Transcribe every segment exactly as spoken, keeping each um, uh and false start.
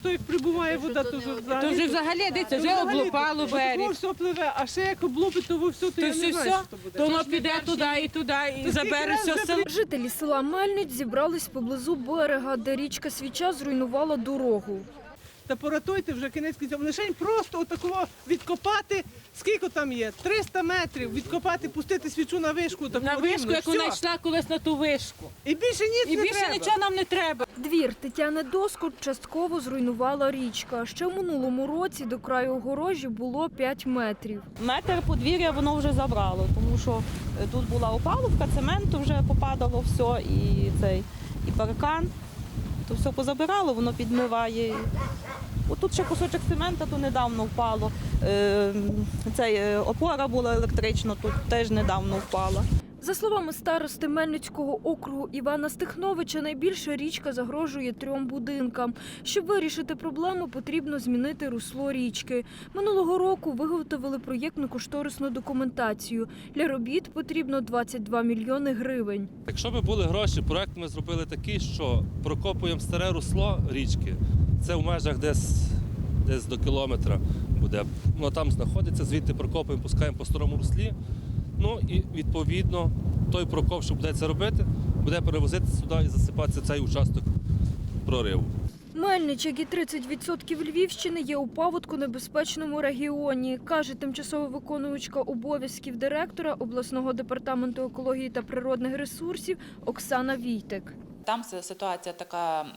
То як прибуває вода, то вже взагалі. То вже взагалі, дивіться, вже облупало берег. Ось все пливе, а ще як облупить, то все, то То я все, не знаю, все, що то буде. то воно піде туди і туди, і забере все село. Жителі села Мельниць зібрались поблизу берега, де річка Свіча зруйнувала дорогу. Та поратуйте вже кінець кінців. Лишень просто отакого відкопати, скільки там є? триста метрів відкопати, пустити свічу на вишку. На вишку, як вона йшла колись на ту вишку. І більше ніц І не більше треба. нічого нам не треба. Двір Тетяни Доскот частково зруйнувала річка. Ще в минулому році до краю огорожі було п'ять метрів. Метр подвір'я воно вже забрало, тому що тут була опалубка, цементу вже попадало все, і цей і паркан. То все позабирало, воно підмиває. Отут ще кусочок цемента, то недавно впало. Е, цей, е, опора була електрична, тут теж недавно впала. За словами старости Мельницького округу Івана Стихновича, найбільше річка загрожує трьом будинкам. Щоб вирішити проблему, потрібно змінити русло річки. Минулого року виготовили проєктно-кошторисну документацію. Для робіт потрібно двадцять два мільйони гривень. Якщо б були гроші, проект ми зробили такий, що прокопуємо старе русло річки. Це в межах десь, десь до кілометра буде. Воно там знаходиться, звідти прокопуємо, пускаємо по старому руслі. Ну і відповідно той прокоп, що буде це робити, буде перевозити сюди і засипатися цей участок прориву. Мельнич, як і тридцять відсотків Львівщини, є у паводконебезпечному регіоні, каже тимчасово виконуючка обов'язків директора обласного департаменту екології та природних ресурсів Оксана Війтек. Там ситуація така м,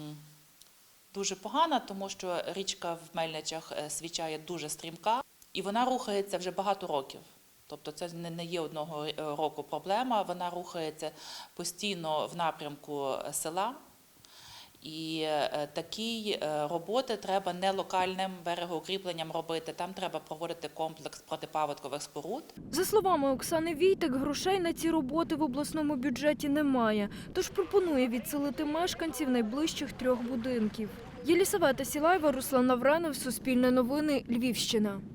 дуже погана, тому що річка в Мельничах Свіча є дуже стрімка і вона рухається вже багато років. Тобто це не є одного року проблема, вона рухається постійно в напрямку села. І такі роботи треба не локальним берегоукріпленням робити, там треба проводити комплекс протипаводкових споруд. За словами Оксани Війтек, грошей на ці роботи в обласному бюджеті немає, тож пропонує відселити мешканців найближчих трьох будинків. Єлісавета Сілаєва, Руслан Навранов, Суспільне новини, Львівщина.